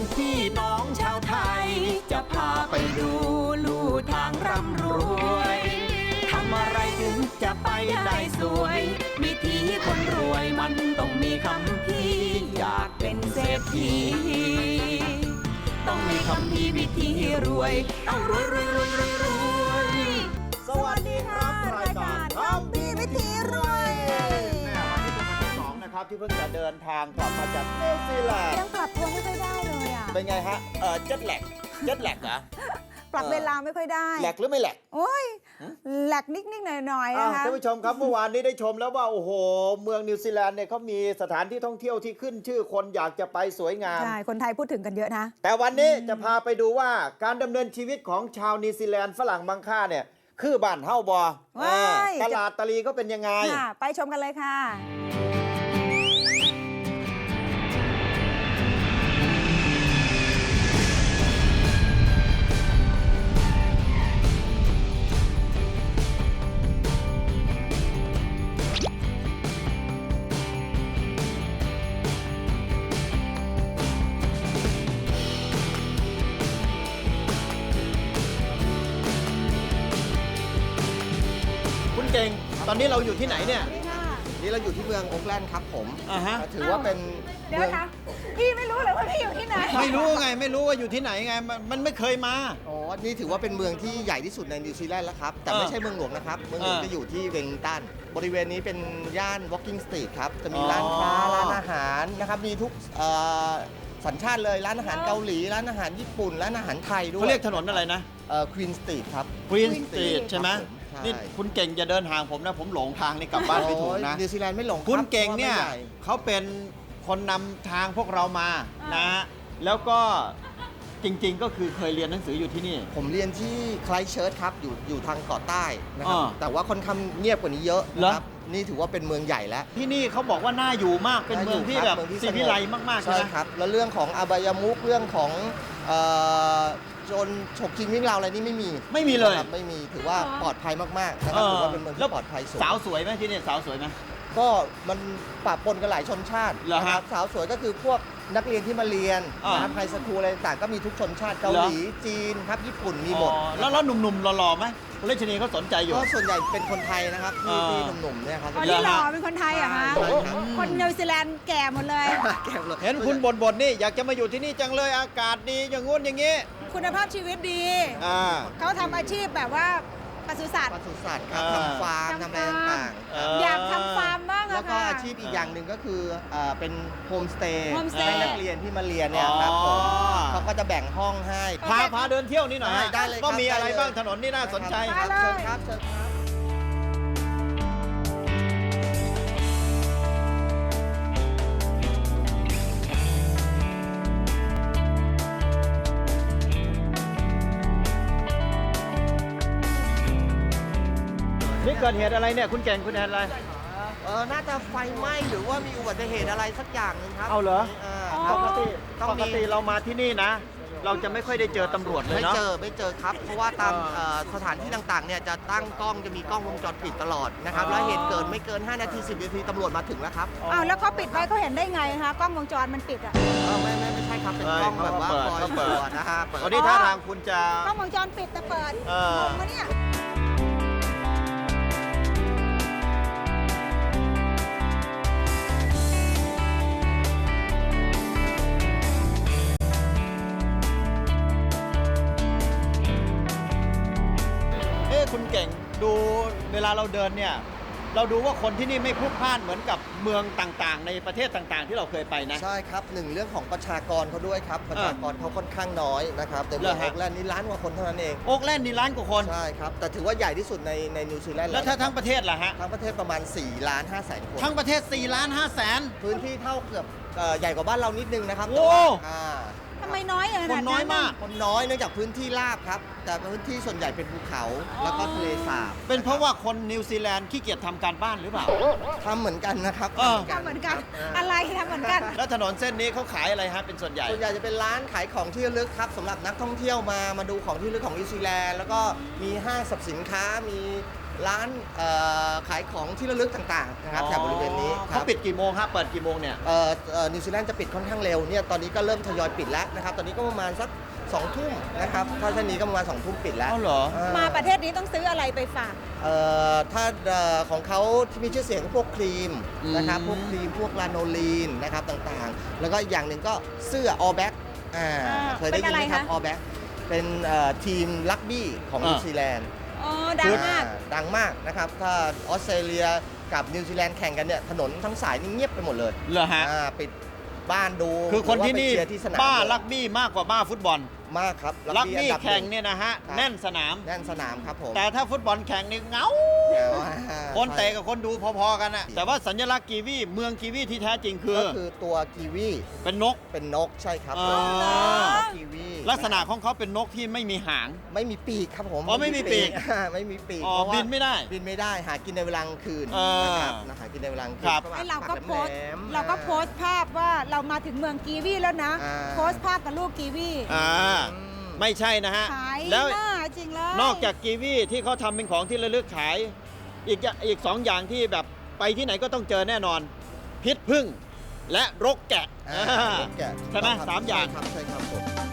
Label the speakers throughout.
Speaker 1: พี่น้องชาวไทย จะพาไปดูลู่ทางร่ำรวยทำอะไรถึงจะไปได้สวยวิธีคนรวยมันต้องมีคำพี่อยากเป็นเศรษฐีต้องมีคำพี่วิธีรวยต้องรวยรวยรวยรวยรวย
Speaker 2: สวัสดีครับรายการคำพี่วิธีรวยวันนี้เป็นวันที่ 2นะครับที่เพิ่งจะเดินทางกลับมาจากนิวซีแลนด์
Speaker 3: ยังปรับตัวไม่ค่อยได้เลยอ่ะ
Speaker 2: เป็นไงฮะเจ็ตแลกเหรอ
Speaker 3: ปรับเวลาไม่ค่อยได้
Speaker 2: แลกหรือไม่แลก
Speaker 3: โอ้ยแหลกนิดๆหน่อยๆนะคะ
Speaker 2: ท่านผู้ชมครับเมื่อวานนี้ได้ชมแล้วว่าโอ้โหเมืองนิวซีแลนด์เนี่ยเขามีสถานที่ท่องเที่ยวที่ขึ้นชื่อคนอยากจะไปสวยงาม
Speaker 3: ใช่ คนไทยพูดถึงกันเยอะนะ
Speaker 2: แต่วันนี้จะพาไปดูว่าการดำเนินชีวิตของชาวนิวซีแลนด์ฝรั่งบางค่าเนี่ยคือบ้านเฮ้าบอ
Speaker 3: ว้าย
Speaker 2: ตลาดตะลีก็เป็นยังไง
Speaker 3: ค่ะ ไปชมกันเลยค่ะ
Speaker 2: คุณเก่งตอนนี้เราอยู่ที่ไหนเนี่ย
Speaker 4: นี่เราอยู่ที่เมืองโอ๊คแลนด์ครับผม
Speaker 2: อ่าฮะ
Speaker 4: ถือว่าเป็น
Speaker 3: เดี๋ยวนะพี่ไม่รู้เลยว่าพี่อยู่ที่ไหน
Speaker 2: ไม่รู้ไงไม่รู้ว่าอยู่ที่ไหนไงมันไม่เคยมา
Speaker 4: อ๋อ นี่ถือว่าเป็นเมืองที่ใหญ่ที่สุดในนิวซีแลนด์แล้วครับ แต่ไม่ใช่เมืองหลวงนะครับ เมืองหลวงจะอยู่ที่เวลลิงตัน บริเวณนี้เป็นย่าน Walking Street ครับ จะมีร้านค้า ร้านอาหารนะครับ มีทุกสัญชาติเลย ร้านอาหารเกาหลี ร้านอาหารญี่ปุ่น ร้านอาหารไทยด้วย
Speaker 2: เขาเรียกถนนอะไรนะ
Speaker 4: ควีนสตรีทครับ
Speaker 2: Queen
Speaker 3: Queen
Speaker 2: Street
Speaker 3: Street
Speaker 2: ใช่ไหม
Speaker 4: ครับผมใช่
Speaker 2: นี่คุณเก่งอย่าเดินห่างผมนะ ผมหลงทางนี่กลับบ้านไม่ถูกนะ
Speaker 4: นิวซีแลนด์ไม่หลงรับ
Speaker 2: คุณเก่งเนี่ย
Speaker 4: พราะว่าไม่ใหญ่
Speaker 2: เขาเป็นคนนำทางพวกเรามานะฮะแล้วก็จริงๆก็คือเคยเรียนหนังสืออยู่ที่นี่
Speaker 4: ผมเรียนที่ไคลเชิร์ชครับ อยู่ทางเกาะใต้นะครับ
Speaker 2: อ่า
Speaker 4: แต่ว่าค่อนข้างเงียบกว่านี้เยอะนะครับ นี่ถือว่าเป็นเมืองใหญ่แล้ว
Speaker 2: ที่นี่เขาบอกว่าน่าอยู่มากเป็นเมืองที่แบบ
Speaker 4: เมืองที่
Speaker 2: สี
Speaker 4: สงบ
Speaker 2: วิไลมากๆใช่
Speaker 4: ใช่
Speaker 2: ไหม
Speaker 4: ครับ แล้วเรื่องของอบายมุขเรื่องของเอ่อโจรฉกชิงวิ่งราวอะไรนี่ไม่มี
Speaker 2: ไม่มีเลย
Speaker 4: นะครับไม่มีถือว่าปลอดภัยมากๆนะครับถือว่าเป็นเมืองที่ปลอดภัยสูง
Speaker 2: สาวสวยไหมที่นี่สาวสวยไหม
Speaker 4: ก็มันปะปนกันหลายชนชาติ
Speaker 2: เหรอฮะ
Speaker 4: นะครับสาวสวยก็คือพวกนักเรียนที่มาเรียน
Speaker 2: อ่า
Speaker 4: นะครับไฮสคูลอะไรต่างๆก็มีทุกชนชาติเกาหลีจีนครับญี่ปุ่นมีหมด
Speaker 2: อ๋อแล้วหนุ่มๆหล่อๆไหมคุณเลชนีเขาสนใจอยู่
Speaker 4: ก็ส่วนใหญ่เป็นคนไทยนะครับที่
Speaker 2: อ่า
Speaker 4: ที่หนุ่มๆเนี่ยครับ
Speaker 3: อ๋อนี่หล่อเป็นคนไทยเหรอคะ
Speaker 4: ใช่ครับ
Speaker 3: คนนิวซีแลนด์แก่หมดเลย
Speaker 4: แก้วเลย
Speaker 2: เห็นคุณบ่นๆนี่อยากจะมาอยู่ที่นี่จังเลยอากาศดีอย่างงู้นอย่างงี้
Speaker 3: คุณภาพชีวิตดี
Speaker 2: อ่า
Speaker 3: เขาทำอาชีพแบบว่าปศุสัตว์
Speaker 4: ปศุสัตว์ครับ
Speaker 2: อ่า
Speaker 4: ทำฟาร์มทำอะไรต่างๆครับ
Speaker 3: อยากทำฟาร์มบ้าง
Speaker 4: แล้
Speaker 3: อะ
Speaker 4: วก็
Speaker 3: ค่ะ
Speaker 4: อาชีพอีกอย่างหนึ่งก็คือเป็นโฮมสเตย์
Speaker 3: โฮมสเตย์
Speaker 4: ให้นักเรียนที่มาเรียนเนี่ยครับผมเขาก็จะแบ่งห้องให้
Speaker 2: พาเดินเที่ยวนี่หน่อยฮะ
Speaker 4: ได้เลยครับ
Speaker 2: ว่ามีอะไร
Speaker 4: ได้เลย
Speaker 2: บ้างถนนนี่น่าสนใจ
Speaker 4: ครับ
Speaker 3: ได้เลย
Speaker 4: เชิญครับเชิญครับ
Speaker 2: นี่เกิดเหตุอะไรเนี่ยคุณเก่งคุณแอนอะไร
Speaker 4: น่าจะไฟไหม้หรือว่ามีอุบัติเหตุอะไรสักอย่างหนึงครับ
Speaker 2: เอาเหรอ
Speaker 4: ค
Speaker 2: ป
Speaker 4: รับ
Speaker 2: กติ
Speaker 4: ต้อง
Speaker 2: ปก
Speaker 4: มี
Speaker 2: ติเรามาที่นี่นะ เราจะไม่ค่อยได้เจอตำรวจเลย
Speaker 4: ไม่
Speaker 2: เนาะ
Speaker 4: ไม่เจอครับ เพราะว่าตามสถานที่ต่างๆเนี่ยจะตั้งกล้องจะมีกล้องวงจรปิดตลอดนะครับ
Speaker 2: อ๋อ
Speaker 4: แล้วเหตุเกิดไม่เกิน 5 นาที 10 นาทีตำรวจมาถึงแล้วครับ
Speaker 3: อ้าวแล้วเขาปิดไว้เขาเห็นได้ไงคะกล้องวงจรมันปิดอะ
Speaker 4: ไม่ใช่ครับ เป็นกล้องแบบว่าคอย
Speaker 2: เขา
Speaker 4: ต
Speaker 2: เปิ
Speaker 4: ร
Speaker 2: ด
Speaker 4: วจนะฮะเปิด
Speaker 2: วันนี้ท่าทางคุณจะ
Speaker 3: กล้องวงจรปิดแต่เปิด
Speaker 2: เออ
Speaker 3: งงปะเนี่ย
Speaker 2: คุณเก่งดูเวลาเราเดินเนี่ย เราดูว่าคนที่นี่ไม่พลุกพล่านเหมือนกับเมืองต่างๆ ในประเทศต่างๆ ที่เราเคยไปนะ
Speaker 4: ใช่ครับหนึ่งเรื่องของประชากรเขาด้วยครับ ประชากรเขาค่อนข้างน้อยนะครับแต่เมือง
Speaker 2: เหรอ
Speaker 4: โอ
Speaker 2: ฮะ
Speaker 4: กแลนด์นี่ล้านกว่าคนเท่านั้นเอง
Speaker 2: โอ๊กแลนด์นี่ล้านกว่าคน
Speaker 4: ใช่ครับ แต่ถือว่าใหญ่ที่สุดในนิวซีแลนด์
Speaker 2: แล้วถ้าทั้งประเทศล่ะฮะ
Speaker 4: ทั้งประเทศประมาณ4ล้าน5แสนคน
Speaker 2: ทั้งประเทศ4ล้าน5แสน
Speaker 4: พื้นที่เท่าเกือบใหญ่กว่าบ้านเรานิดนึงนะครับ
Speaker 2: โอ้
Speaker 4: แต่ว่า
Speaker 3: ทำไมน้อยอย่าง
Speaker 2: ค
Speaker 3: นั้น น
Speaker 2: น้อยมาก
Speaker 4: คนน้อยเนื่องจากพื้นที่ราบครับ แต่พื้นที่ส่วนใหญ่เป็นภูเขาแล้วก็ทะเลสาบ
Speaker 2: เป็นเพราะว่าคนนิวซีแลนด์ขี้เกียจทำการบ้านหรือเปล่า
Speaker 4: ทำเหมือนกันนะครับ
Speaker 3: ทำเหมือนกัน
Speaker 4: ครับ
Speaker 3: อะไรทำเหมือนกัน
Speaker 2: แล้วถนนเส้นนี้เขาขายอะไรฮะเป็นส่วนใหญ่
Speaker 4: ส่วนใหญ่จะเป็นร้านขายของที่ระลึกครับสำหรับนักท่องเที่ยวมาดูของที่ระลึกของนิวซีแลนด์แล้วก็มีห้างสรรพสินค้ามีร้านขายของที่ระลึกต่างๆนะครับแถบบริเวณนี้ค
Speaker 2: เขา
Speaker 4: รับ
Speaker 2: ปิดกี่โมงครับเปิดกี่โมงเนี่ย
Speaker 4: นิวซีแลนด์จะปิดค่อนข้างเร็วเนี่ยตอนนี้ก็เริ่มทยอยปิดแล้วนะครับตอนนี้ก็ประมาณสัก2 ทุ่มนะครับถ้าเช่นนี้ก็ประมาณ2 ทุ่มปิดแล้ว
Speaker 2: อ๋อเหรอ
Speaker 3: มาประเทศนี้ต้องซื้ออะไรไปฝาก
Speaker 4: ถ้าของเขาที่มีชื่อเสียงก็พวกครีมนะครับพวกครีมพวกลาโนลีนนะครับต่างๆ แล้วก็อีกอย่างหนึ่งก็เสื้อ all black เคยได้ยินไหมครับ all black เป็นทีมรักบี้ของนิวซีแลนด์
Speaker 3: อ๋อ ดังมาก
Speaker 4: ดังมากนะครับถ้าออสเตรเลียกับนิวซีแลนด์แข่งกันเนี่ยถนนทั้งสายนี่เงียบไปหมดเลย
Speaker 2: เหรอฮะ
Speaker 4: ปิดบ้านดู
Speaker 2: คือคนที่นี่
Speaker 4: หรือว่าไปเชียร์ที่สนาม
Speaker 2: บ้า
Speaker 4: เลย
Speaker 2: รักบี้มากกว่าบ้าฟุตบอล
Speaker 4: มากครับ
Speaker 2: รักบี้
Speaker 4: อันดับ
Speaker 2: แข่ง
Speaker 4: ห
Speaker 2: เนี่ยนะฮะ
Speaker 4: ครับ
Speaker 2: แน่นสนาม
Speaker 4: แน่นสนามครับผม
Speaker 2: แต่ถ้าฟุตบอลแข่งนี่เหงา คนเตะกับคนดูพอๆกันอะแต่ว่าสัญลักษณ์กีวีเมืองกีวีที่แท้จริงคือ
Speaker 4: ก็คือตัวกีวี
Speaker 2: เป็นนก
Speaker 4: เป็นนกใช่ครับ
Speaker 2: อ๋อ
Speaker 4: กีวี
Speaker 2: ลักษณะของเขาเป็นนกที่ไม่มีหาง
Speaker 4: ไม่มีปีกครับผม
Speaker 2: อ๋อไม่มีปีก
Speaker 4: ไม่มีปีก
Speaker 2: อ๋อ
Speaker 4: เพราะว่า
Speaker 2: บินไม่ได้
Speaker 4: บินไม่ได้หากินในเวลากลางคืน
Speaker 2: เออ
Speaker 4: นะครับหากินในเวลากลางคื
Speaker 2: ครับ
Speaker 4: ก็
Speaker 3: ไอเราก็
Speaker 4: ป
Speaker 3: โพสต์
Speaker 4: แหลมๆ
Speaker 3: เราก็โพสต์ภาพว่าเรามาถึงเมืองกีวีแล้วนะ
Speaker 4: อ่า
Speaker 3: โพสต์ภาพกับลูกกีวี
Speaker 2: อ่า
Speaker 4: อืม
Speaker 2: ไม่ใช่นะฮะ
Speaker 3: ขาย
Speaker 2: แล้ว
Speaker 3: หน้าจริงเลย
Speaker 2: นอกจากกีวีที่เขาทำเป็นของที่ระลึกขาย อีกสองอย่างที่แบบไปที่ไหนก็ต้องเจอแน่นอน พิษผึ้งและรกแกะ
Speaker 4: รกแกะ
Speaker 2: ใช่ไหม
Speaker 4: ครับ
Speaker 2: สามอย่าง
Speaker 4: ใช่ครับใช่ครับผม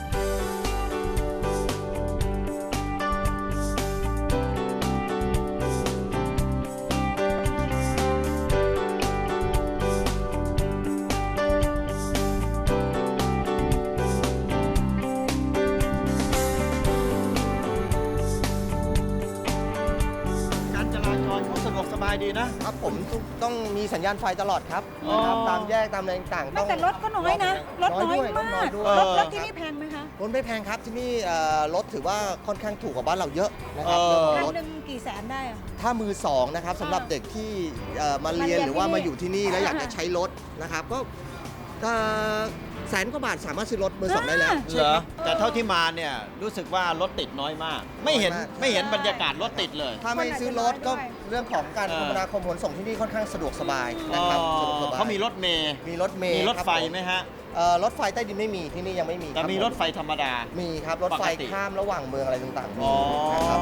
Speaker 2: การจราจรเขาสะดวกสบายดีนะ
Speaker 4: ครับผมต้องมีสัญญาณไฟตลอดครับ
Speaker 2: อ๋อ
Speaker 4: นะครับตามแยกตามอะไรต่างๆ
Speaker 3: ไม่แต่รถก็น้อยนะ รถน้อย
Speaker 4: ด้วย
Speaker 3: มาก
Speaker 4: ด้วย
Speaker 3: รถที่นี่แพงไหมคะ
Speaker 4: รถไม่แพงครับที่นี่รถถือว่าค่อนข้างถูกกว่าบ้านเราเยอะนะครับ
Speaker 2: เออ
Speaker 4: เรื่องของ
Speaker 3: คัน
Speaker 4: รถ
Speaker 3: หนึ่งกี่แสนได้อะ
Speaker 4: ถ้ามือสองนะครับสำหรับเด็กที่มาเรียน
Speaker 3: มาเรียน
Speaker 4: หรือว่า
Speaker 3: ที่นี่
Speaker 4: มาอยู่ที่นี่แล้วอยากจะ
Speaker 3: อ่า
Speaker 4: ใช้รถนะครับก็แสนกว่าบาทสามารถซื้อรถมือสองได้แล้ว
Speaker 2: เหรอแต่เท่าที่มาเนี่ยรู้สึกว่ารถติดน้อยมาก ไม่เห็น
Speaker 4: น้อยมาก
Speaker 2: ไม่เห็นบรรยากาศรถติดเลย
Speaker 4: ถ้าไม่ซื้อรถก็เรื่องของการ
Speaker 2: เออ
Speaker 4: คมนาคมขนส่งที่นี่ค่อนข้างสะดวกสบายนะครับสะดวกสบาย
Speaker 2: เขามีรถเมย์
Speaker 4: มีรถเมล์
Speaker 2: มีรถ
Speaker 4: คบ
Speaker 2: ไฟ
Speaker 4: ผ
Speaker 2: ไหมฮะ
Speaker 4: รถไฟใต้ดินไม่มีที่นี่ยังไม่มี
Speaker 2: แต่
Speaker 4: คบ
Speaker 2: มี
Speaker 4: ผ
Speaker 2: รถไฟธรรมดา
Speaker 4: มีครับรถไฟ
Speaker 2: ปกติ
Speaker 4: ข้ามระหว่างเมืองอะไรต่างๆมี
Speaker 2: อ๋อ
Speaker 4: นะครับ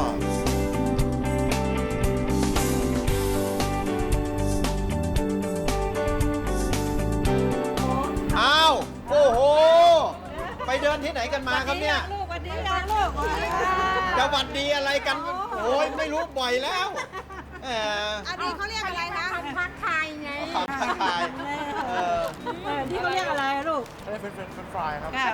Speaker 2: อ้าว โอ้โห ไปเดินที่ไหนกันมาครับเนี่ย
Speaker 3: ลูกวันนี้ยังลูก
Speaker 2: จะหวัดดีอะไรกัน โอ้ยไม่รู้บ่อยแล้วแหม
Speaker 3: อันนี้เขาเรียกอะไรคะ
Speaker 5: ทักทายไง
Speaker 2: ขำทักทายเออ
Speaker 3: ที่เขาเรียกอะไรลูก
Speaker 5: เป็นไฟ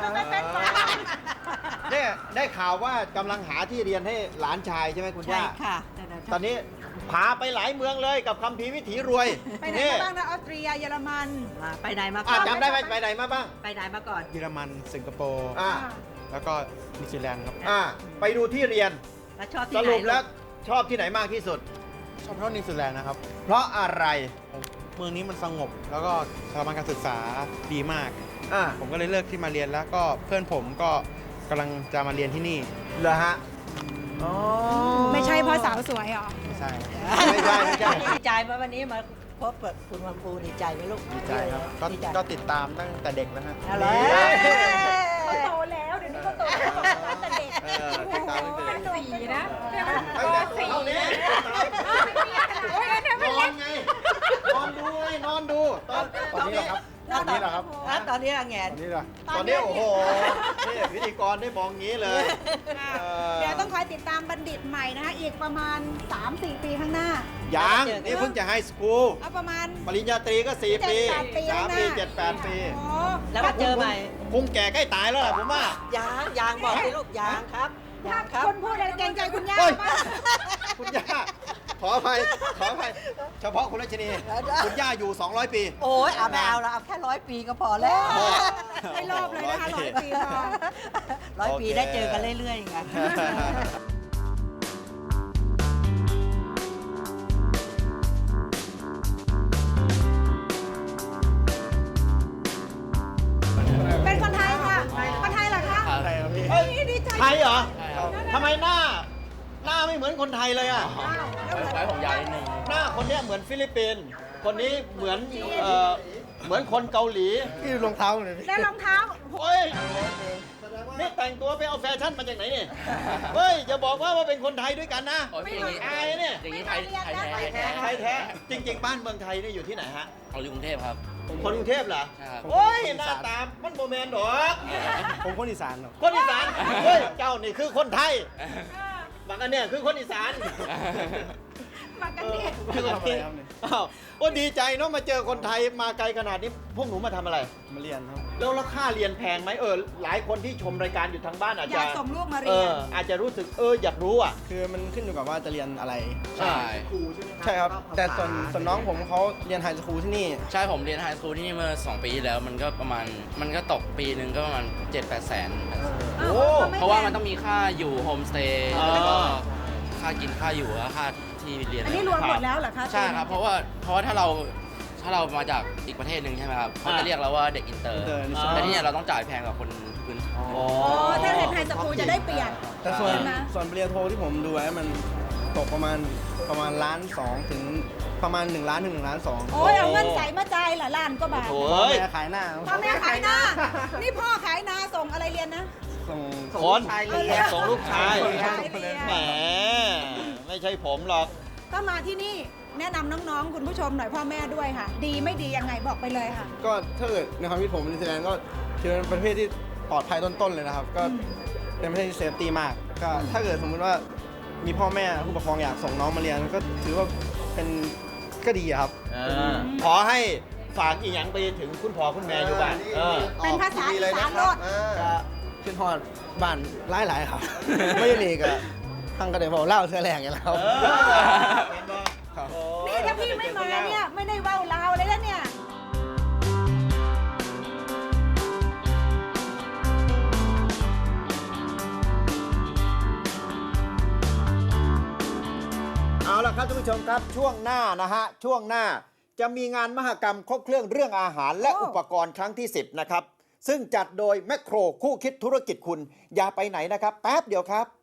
Speaker 2: เนี่ยได้ข่าวว่ากำลังหาที่เรียนให้หลานชายใช่ไหมคุณย่า
Speaker 3: ค่ะ
Speaker 2: ตอนนี้พาไปหลายเมืองเลยกับคัมภีร์วิถีรวย
Speaker 3: ไปไหนมาบ้างนะออสเตรียเยอรมัน
Speaker 5: ไปไหนมาก่
Speaker 2: อ่ะ
Speaker 5: อน
Speaker 2: จำได้ไหมไปไหนมาบ้าง
Speaker 5: ไปไหนมาก่อน
Speaker 6: เยอรมัน สิงคโปร์
Speaker 2: อ่า
Speaker 6: แล้วก็นิวซีแลนด์ครับ
Speaker 2: อ่าไปดูที่เรียน
Speaker 5: แล้วชอบ
Speaker 2: ส
Speaker 5: ที่ไหน
Speaker 2: รุปแล้ว
Speaker 5: ลูก
Speaker 2: ชอบที่ไหนมากที่สุด
Speaker 6: ชอบเพราะนิวซีแลนด์นะครับ
Speaker 2: เพราะอะไร
Speaker 6: เมืองนี้มันสงบ แล้วก็สถาบันการศึกษาดีมาก
Speaker 2: อ่า
Speaker 6: ผมก็เลยเลือกที่มาเรียนแล้วก็เพื่อนผมก็กำลังจะมาเรียนที่นี่
Speaker 2: เหรอฮะอ๋อ
Speaker 3: ไม่ใช่เพราะสาวสวยหรอ
Speaker 6: ไม่ใช่ครับ
Speaker 2: ไม่ใช่ไม่ใช่
Speaker 5: ดีใจไหมวันนี้มาพบกับคุณวันภูดีใจไหมลูก
Speaker 6: ดีใจครับ ก็
Speaker 5: ดีใจ
Speaker 6: ก็ติดตามตั้งแต่เด็กนะฮะ
Speaker 5: อะไร
Speaker 3: เขาโตแล้วเดี๋ยวนี้เขาโตแล้วแต่เด็ก
Speaker 2: เออติดตามตั้งแต่เด็ก
Speaker 3: สีนะ
Speaker 2: ตั้งแต่ตัวเท่านี้นอนไง นอนดูไง นอนดู ตอนนี้เหรอครับ
Speaker 6: ตอนนี้เหรอครับ
Speaker 5: ตอนนี้ละแงน
Speaker 6: ตอนนี้เหรอ
Speaker 2: ตอนนี้โอ้โห นี่พิธีกรได้มองงี้เลย
Speaker 3: เดี๋ยวต้องคอยติดตามบัณฑิตใหม่นะคะอีกประมาณ 3-4 ปีข้างหน้า
Speaker 2: ยังนี่เพิ่งจะไฮสคูล
Speaker 3: เอาประมาณ
Speaker 2: ปริญญาตรีก็ 4 ปี
Speaker 3: 7-8 ปี
Speaker 2: 3 ปี 7-8 ปี
Speaker 3: โอ้
Speaker 5: แล้วมาเจอใหม่
Speaker 2: คงแก่ใกล้ตายแล้วล่ะผมว่า
Speaker 5: ยางบอกสิลูกยางครับยางครับ
Speaker 3: คนพูดอะไรเกรงใจคุณย่า
Speaker 2: เฮ้ย
Speaker 3: บ้าง
Speaker 2: คุณย่า ขออภัย ขออภัย เฉพาะคุณรัชนี คุณย่าอยู่ 200 ปี
Speaker 5: โอ้ยเอาไม่เอาละเอาแค่100 ปีก็พอแล้ว
Speaker 2: พอ
Speaker 3: ไม่รอบเลยนะคะ100 ปีพอ
Speaker 5: 100 ปีได้เจอกันเรื่อยๆไง
Speaker 3: เป็นคนไทยค่ะ คนไทยเหรอคะ
Speaker 6: อะไรครับพี่
Speaker 3: เฮ้ยดีใจ
Speaker 2: ไทยเหรอ ทำไมหน้าไม่เหมือนคนไทยเลยอ่ะ
Speaker 3: อ้าวแล้วเหมือน
Speaker 6: คล้ายของยายนิดนึง
Speaker 2: หน้าคนเนี้ยเหมือนฟิลิปปินส์ คนนี้เหมือนเหมือนคนเกาหลี
Speaker 6: พี่ดูรองเท้าหน่อยพี่
Speaker 3: แล้วรองเท้า
Speaker 2: โอ้ยนี่แต่งตัวไปเอาแฟชั่นมาจากไหนเนี่ย เฮ้ยอย่าบอกว่าเป็นคนไทยด้วยกันนะ
Speaker 7: ไม่อย่างนี้
Speaker 2: อายเนี่ย
Speaker 7: อย่างนี้ไทยแท้
Speaker 2: ไทยแท้ จริง ๆ บ้านเมืองไทยนี่อยู่ที่ไหนฮะ
Speaker 7: เอาอยู่กรุงเทพครับ
Speaker 2: คนกรุงเทพเหรอ
Speaker 7: ใช่ครับ
Speaker 2: โอ้ยหน้าตามันโมแมนดอก
Speaker 6: ผมคนอีสานครับ
Speaker 2: คนอีสาน เฮ้ย เจ้านี่คือคนไทยบางอันเนี่ยคือคนอีสาน
Speaker 3: มากันดิ
Speaker 6: คือทำอะไรครับเนี่ย
Speaker 2: อ้าวโอ้ดีใจเนาะมาเจอคนไทยมาไกลขนาดนี้ พวกหนูมาทำอะไร
Speaker 6: มาเรียนครับ
Speaker 2: แล้วราคาเรียนแพงไหมหลายคนที่ชมรายการอยู่ทางบ้านอาจ
Speaker 3: อ
Speaker 2: จะ
Speaker 3: ยากส่งลูกมาเรียน
Speaker 2: อาจจะรู้สึกอยากรู้อ่ะ
Speaker 6: คือมันขึ้นอยู่กับว่าจะเรียนอะไร
Speaker 7: ใช่
Speaker 6: ใช่ครับ แต่ส่วนน้องผมเขาเรียนไฮสคูลที่นี่
Speaker 7: ใช่ผมเรียนไฮสคูลที่นี่เมื่อ 2 ปีที่แล้วมันก็ประมาณมันก็ตกปีหนึ่งก็ประมาณ 7-8 แสน
Speaker 2: โอ้
Speaker 7: เพราะว่ามันต้องมีค่าอยู่โฮมสเตย์
Speaker 2: อ๋อ
Speaker 7: แล้วก็ค่ากินค่าอยู่แล้วค่าที่เรียน
Speaker 3: อันนี้รวมหมดแล้วเหรอคะ
Speaker 7: ใช่ครับ เพราะว่าถ้าเรามาจากอีกประเทศหนึ่งใช่ไหมครับเขาจะเรียกเราว่าเด็กอินเตอร์
Speaker 6: Inter
Speaker 7: แต่ที่เนี่ยเราต้องจ่ายแพงกว่าคนพื้น
Speaker 2: โอ้
Speaker 3: โอ้ถ้าเรียนไฮสคูลจะได้เปรียบ
Speaker 6: แต่ส่วน
Speaker 3: ใช่ไหม
Speaker 6: ปริญญาโทที่ผมดูไว้มันตกประมาณ1.2 ล้านถึงประมาณ1 ล้านถึง1.2 ล้าน
Speaker 3: โอ้ยเอาเงินใส่มาจ่ายละล้านก็บาท
Speaker 2: โอ้
Speaker 6: พ่อย แม่ขายหน้า
Speaker 3: พ่อแม่ขายนา นี่พ่อขายนาส่งอะไรเรียนนะ
Speaker 6: ส่ง
Speaker 2: คน
Speaker 4: ชายเรียน
Speaker 2: ส่งลูกชาย
Speaker 3: ส่งลูกชายเรียน
Speaker 2: แหมไม่ใช่ผมหรอก
Speaker 3: ก็มาที่นี่แนะนำน้องๆ คุณผู้ชมหน่อยพ่อแม่ด้วยค่ะ ดีไม่ดียังไงบอกไปเลยค่ะ
Speaker 6: ก็ถ้าเกิดในความคิดผมนิวซีแลนด์ก็ถือเป็นประเทศที่ปลอดภัยต้นๆเลยนะครับ ก็เป็นประเทศที่เซฟตี้มาก ก็ถ้าเกิดสมมุติว่ามีพ่อแม่ผู้ปกครองอยากส่งน้องมาเรียนก็ถือว่าก็ดีอะครับ
Speaker 2: ขอให้ฝากอีหยังไปถึงคุณพ่อคุณแม่อยู่บ้าน
Speaker 3: เป็นภาษาอีสานโลด
Speaker 6: ก็ขึ้นฮอดบ้านหลายๆครับ ไม่ได้หนีกับทางกระเดี๋ยวเล่าเสื้อแรงอย่างแล้ว ครับ
Speaker 3: นี่ถ้าพี่ไม่มาเนี่ยไม่ได้เว้าลาวเลยนะเนี่ย
Speaker 2: เอาละครับท่านผู้ชมครับช่วงหน้านะฮะช่วงหน้าจะมีงานมหกรรมครบเครื่องเรื่องอาหารและ
Speaker 3: โอ้
Speaker 2: อุปกรณ์ครั้งที่ 10 นะครับ ซึ่งจัดโดยแมคโครคู่คิดธุรกิจคุณอย่าไปไหนนะครับ แป๊บเดียวครับ